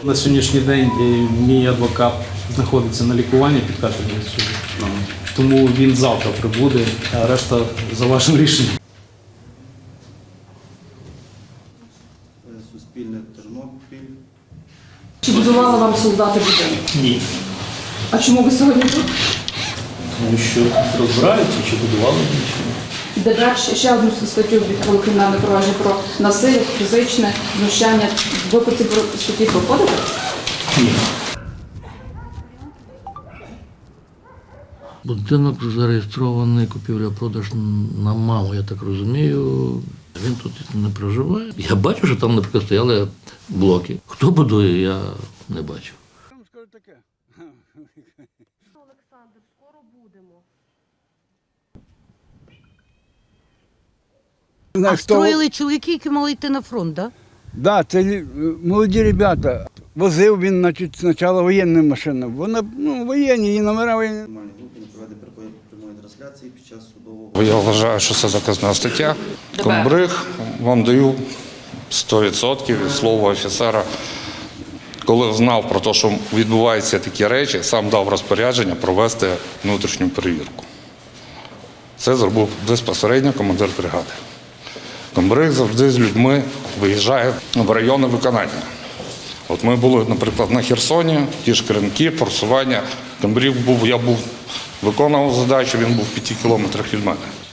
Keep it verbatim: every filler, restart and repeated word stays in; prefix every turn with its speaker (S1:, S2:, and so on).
S1: На сьогоднішній день мій адвокат знаходиться на лікуванні під кафедрою суду. Тому він завтра прибуде, а решта за вашим рішенням.
S2: Суспільне Тернопіль.
S3: Чи будували вам солдати будинок?
S4: Ні.
S3: А чому ви сьогодні тут?
S4: Тому що розбираються, чи будували нічого.
S3: ДБР ще- ще одну статтю відкрили кримінальне провадження про насилля, фізичне знущання. Ви по цій статті проходите?
S4: Ні.
S5: Будинок зареєстрований, купівля-продаж на маму, я так розумію. Він тут не проживає. Я бачу, що там, наприклад, стояли блоки. Хто будує, я не бачу.
S6: Олександр, скоро будемо.
S7: А
S6: Строїли чоловіки, які мали йти на фронт, так?
S7: Да, це лі- молоді ребята. Возив він, значить, спочатку воєнну машину. Вона, ну, воєнні, і номера воєнні.
S2: Нормальні групи не проведення прямої трансляції під час судового.
S8: Я вважаю, що це заказна стаття. Комбриг вам даю сто відсотків від слова офіцера. Коли знав про те, що відбуваються такі речі, сам дав розпорядження провести внутрішню перевірку. Це зробив безпосередньо командир бригади. Комбриг завжди з людьми виїжджає в райони виконання. От ми були, наприклад, на Херсоні, ті ж Кремки, форсування. Комбриг був, я був, виконував задачу, він був в п'яти кілометрах від мене.